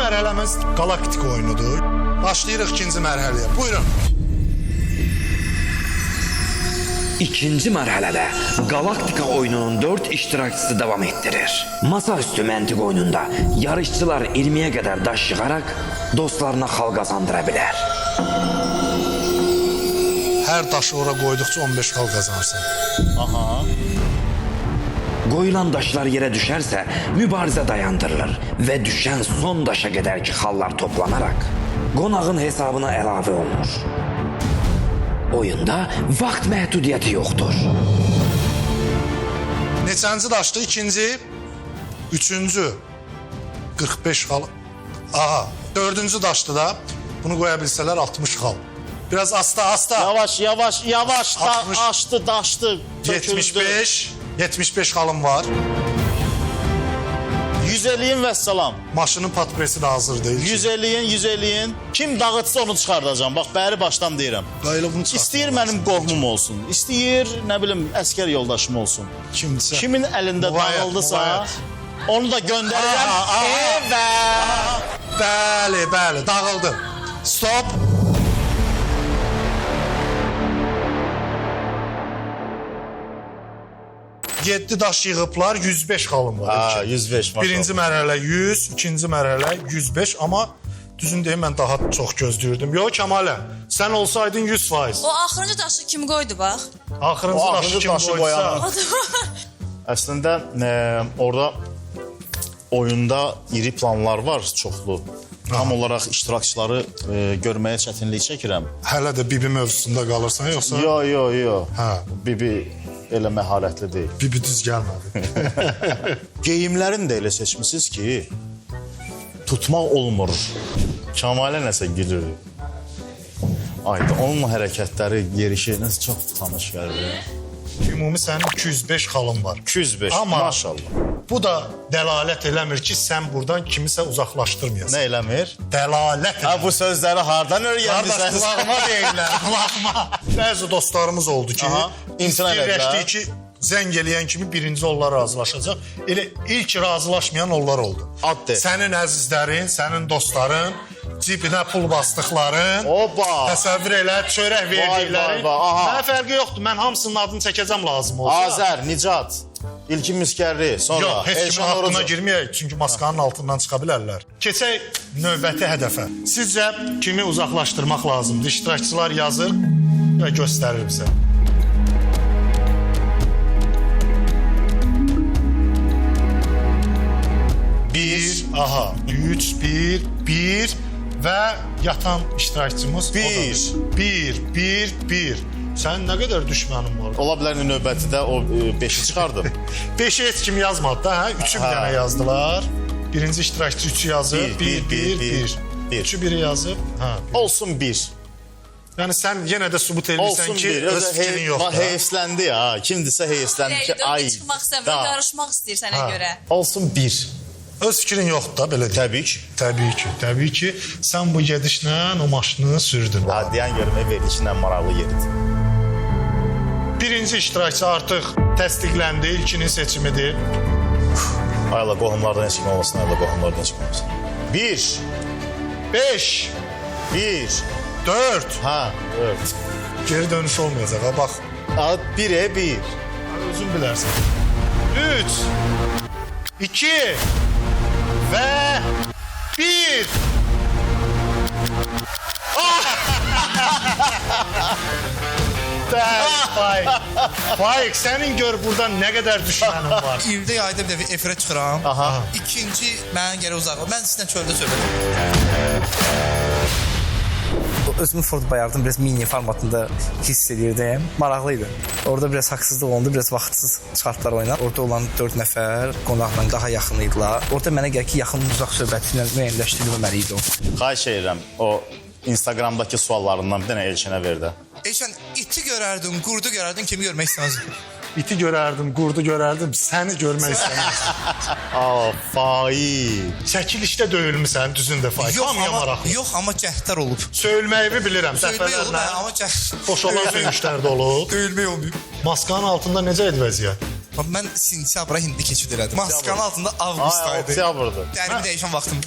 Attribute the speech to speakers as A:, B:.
A: mərhələmiz Galaktik oyunudur. Başlayırıq ikinci mərhələyə. Buyurun.
B: İkinci mərhələdə Galaktika oyununun 4 iştirakçısı davam etdirir. Masaüstü məntiq oyununda yarışçılar 20-yə qədər daş yığaraq dostlarına xal qazandıra bilər.
A: Hər daşı ora qoyduqca 15 xal qazanırsan.
C: Aha.
B: Qoyulan daşlar yerə düşərsə mübarizə dayandırılır və düşən son daşa qədərki xallar toplanaraq qonağın hesabına əlavə olunur. Oyunda vaxt məhdudiyyəti yoxdur.
A: Neçənci daşdı? İkinci, üçüncü, 45 xal. Aha, dördüncü daşdı da. Bunu qoya bilsələr 60 xal. Biraz asta.
C: Yavaş.
A: 60.
C: Aşdı, daşdı.
A: 75 xalım var.
C: 100 eləyin və salam.
A: Maşının patpresi də hazır deyil.
C: 100 eləyin. Kim dağıtsa onu çıxardacağam. Bax, bəri başdan deyirəm.
A: Qayılı bunu çıxart.
C: İstəyir mənim qohumum olsun. İstəyir, nə bilim, əskər yoldaşım olsun.
A: Kimsə.
C: Kimin əlində dağıldısa, onu da göndərirəm.
A: Bəli, dağıldı. Stop. Yeddi daş yığıblar, 105 xalım var.
C: Ha, 105 maşallah.
A: Birinci mərhələ 100, ikinci mərhələ 105, amma düzün deyim, mən daha çox gözləyirdim. Yox, Kəmalə, sən olsaydın 100%.
D: O axırıncı daşı kim qoydu bax?
A: Axırıncı
C: O
A: daşı
C: axırıncı
A: kim
C: daşı
A: qoysa.
C: Əslində, orada oyunda iri planlar var, çoxlu. Tam olaraq iştirakçıları görməyə çətinlik çəkirəm.
A: Hələ də Bibi mövzusunda qalırsan, yoxsa?
C: Yo.
A: Hə.
C: Bibi elə məharətli deyil.
A: Bibi düz gəlmədi.
C: Geyimlərini də elə seçmişsiniz ki, tutmaq olmur. Kəmalə nəsə gülür. Ayda, onun hərəkətləri, yerişiniz çox tanış gəlir.
A: Ümumi sənin 205 xalın var.
C: 205,
A: Amma
C: maşallah.
A: bu da dəlalət eləmir ki, sən buradan kimisə uzaqlaşdırmayasan.
C: Nə eləmir?
A: Dəlalət
C: Ha,
A: eləmir.
C: bu sözləri hardan
A: Qardaş,
C: öyrəndiniz?
A: qulağıma deyirlər, qulağıma. Bəzi dostlarımız oldu ki,
C: Aha, imtina
A: fikirləşdi
C: elədilər.
A: ki, zəng eləyən kimi birinci onlar razılaşacaq. Elə ilk razılaşmayan onlar oldu.
C: Ad de.
A: Sənin əzizlərin, sənin dostların, cibinə pul basdıqların,
C: Oba!
A: təsəvvür elə, çörək verdiklərin.
C: vay, aha.
A: Mənə fərqi yoxdur, mən hamısının adını çəkəcəm lazım olsa.
C: Azər, Nicat, İlkin Miskərli, sonra
A: Yox, heç kimin
C: Elşan
A: haqqına
C: Orucu.
A: girməyək, çünki maskanın altından çıxa bilərlər. Keçək növbəti hədəfə. Sizcə kimi uzaqlaşdırmaq lazımdır? İştirakçılar yazır və göstərir bizə. Bir, aha, 3, 1 və yatan iştirakçımız bir. Sən nə qədər düşmənin var?
C: Ola bilər növbətidə o 5-i çıxardım.
A: 5'i heç kim yazmadı da, hə? 3'ü bir dənə yazdılar. Birinci iştirakçı 3'ü yazıb, 1. 3'ü biri yazıb, hə.
C: Olsun 1.
A: Yəni sən yenə də sübut edirsən
C: Olsun
A: ki,
C: 1.
A: öz fikrin yoxdur.
C: Heyfsləndi ya. Kimdirsə heyfsləndi ki, ay.
D: Çıxmaq istəmir, yarışmaq istəyir sənə
A: Ha.
D: görə.
C: Olsun 1.
A: Öz fikrin yoxdur da, belə deyək.
C: Təbii ki.
A: Təbii ki, sən bu gedişlə o maşını sürdün.
C: Ha, deyən görmək verilişinə maraqlı yeridir.
A: Birinci iştirakçı artıq təsdiqləndi, ilkinin seçimidir.
C: Ayla, qohumlardan heç kim olmasın, ayla, qohumlardan heç kim olmasın. 1.
A: 5,
C: 1.
A: 4.
C: Ha, evet.
A: Geri dönüş olmayacaq, ha, bax.
C: 1'e 1.
A: Özün bilərsən. 3, 2 və 1. Faik, sənin gör buradan nə qədər düşmənin var.
E: İldə yayda bir dəfə efirə çıxıram.
C: Aha.
E: İkinci mənə gələ uzaq. Mən sizdən çöldə söhbət. Özümü Ford Bayardın biraz mini formatında hiss edirdim. Maraqlıydı. Orada biraz haqsızlıq oldu, biraz vaxtsız çıxartdılar oyuna. Orada olan 4 nəfər qonaqla daha yaxın idilər. Orada mənə gəlir ki, yaxın uzaq söhbəti ilə müəyyənləşdirilməli idi o.
C: Xahiş edirəm, o Instagramdakı suallarından bir dənə Elçinə ver də.
E: Eşən, iti görərdin, qurdu görərdin, kimi görmək istəməzdin?
A: İti görərdim, qurdu görərdim, səni görmək istəmirəm.
C: Aa, Faik.
A: Çəkilişdə döyülmüsən, düzündə Faik. Hamıya maraqlı.
E: Yox, amma cəhdlər olub.
A: Söylməyimi bilirəm,
E: Söyləmək olub,
A: dəfələrlə.
E: amma cəhd...
A: Boşalan söyüşlər də olub.
E: Döyülmək olmayıb.
A: Maskanın altında necə idi vəziyyət?
E: Mən sentyabra hindi keçid elədim. Maskanın altında
C: Ay,
E: avqustaydı.
C: oktyabrdır.
E: Dərimi dəyişən vaxtım